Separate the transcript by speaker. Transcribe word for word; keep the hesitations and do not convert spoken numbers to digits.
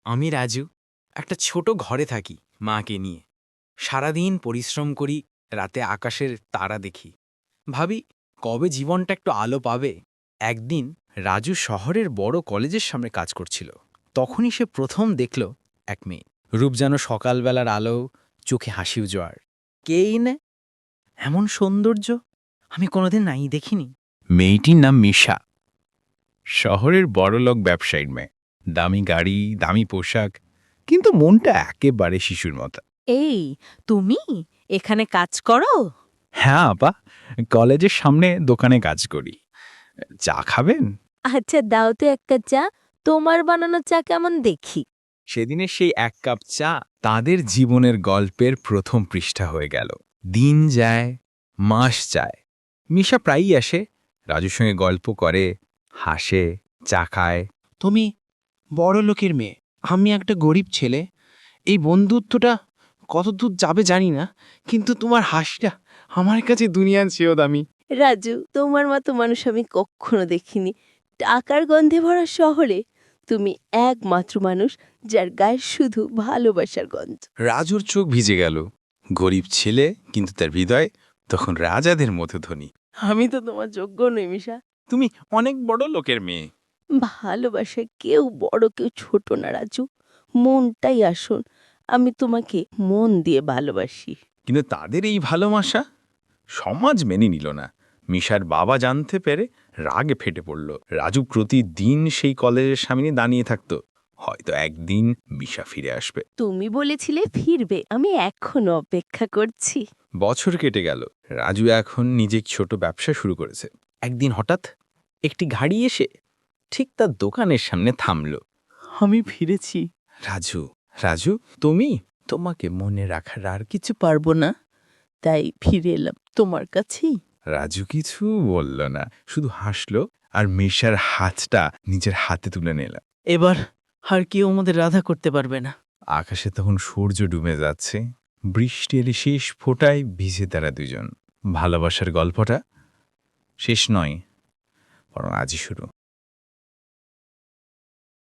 Speaker 1: আমি রাজু একটা ছোট ঘরে থাকি মাকে নিয়ে। সারাদিন পরিশ্রম করি, রাতে আকাশের তারা দেখি। ভাবি কবে জীবনটা একটু আলো পাবে। একদিন রাজু শহরের বড় কলেজের সামনে কাজ করছিল। তখনই সে প্রথম দেখল এক মেয়ে, রূপ যেন সকালবেলার আলো, চোখে হাসি উজোয়ার। কেই নে এমন সৌন্দর্য আমি কোনোদিন নাই দেখিনি।
Speaker 2: মেয়েটির নাম মিশা। শহরের বড়লোক ব্যবসায়ীর মেয়ে। দামি গাড়ি, দামি পোশাক, কিন্তু মনটা একেবারে শিশুর মতো।
Speaker 3: এই তুমি এখানে কাজ করো?
Speaker 2: হ্যাঁ আপা, কলেজের সামনে দোকানে কাজ করি। চা খাবেন?
Speaker 3: আচ্ছা দাও তো এক কাপ চা। তোমার বানানো চা কেমন দেখি।
Speaker 2: সেদিনের সেই এক কাপ চা তাদের জীবনের গল্পের প্রথম পৃষ্ঠা হয়ে গেল। দিন যায়, মাস যায়। মিশা প্রায়ই আসে, রাজুর সঙ্গে গল্প করে, হাসে, চা খায়।
Speaker 4: তুমি বড় লোকের মেয়ে, আমি একটা গরিব ছেলে। এই বন্ধুত্বটা কত দূর যাবে জানি না, কিন্তু তোমার হাসিটা আমার কাছে দুনিয়ার চেয়েও দামি।
Speaker 3: রাজু, তোমার মতো মানুষ আমি কখনো দেখিনি। টাকার গন্ধে ভরা শহরে তুমি একমাত্র মানুষ যার গায়ে শুধু ভালোবাসার গন্ধ।
Speaker 2: রাজুর চোখ ভিজে গেল। গরিব ছেলে, কিন্তু তার হৃদয় তখন রাজাদের মতো ধনী।
Speaker 3: আমি তো তোমার যোগ্য নই মিশা।
Speaker 2: তুমি অনেক বড় লোকের মেয়ে।
Speaker 3: ভালোবাসায় কেউ বড় কেউ ছোট না রাজু, মনটাই আসুন। আমি তোমাকে মন দিয়ে ভালোবাসি।
Speaker 2: কিন্তু তাদের এই ভালোবাসা সমাজ মেনে নিল না। মিশার বাবা জানতে পেরে রাগে ফেটে পড়ল। রাজু প্রতিদিন সেই কলেজের সামনে দাঁড়িয়ে থাকত, হয়তো একদিন মিশা ফিরে আসবে।
Speaker 3: তুমি বলেছিলে ফিরবে, আমি এখনো অপেক্ষা করছি।
Speaker 2: বছর কেটে গেল। রাজু এখন নিজে ছোট ব্যবসা শুরু করেছে।
Speaker 1: একদিন হঠাৎ একটি গাড়ি এসে ঠিক তার দোকানের সামনে থামল।
Speaker 4: আমি ফিরেছি।
Speaker 2: রাজু, রাজু তুমি?
Speaker 1: তোমাকে মনে রাখার আর কি?
Speaker 3: কিছু পারবো না, তাই ফিরে এলাম তোমার কাছেই।
Speaker 2: রাজু কিছু বলল না, শুধু হাসলো আর মিশার হাতটা নিজের হাতে তুলে নিল।
Speaker 4: এবার আর কেউ আমাদের রাধা করতে পারবে না।
Speaker 2: আকাশে তখন সূর্য ডুবে যাচ্ছে। বৃষ্টি এলে শেষ ফোঁটায় ভিজে তারা দুজন। ভালোবাসার গল্পটা শেষ নয়, বরং আজই শুরু।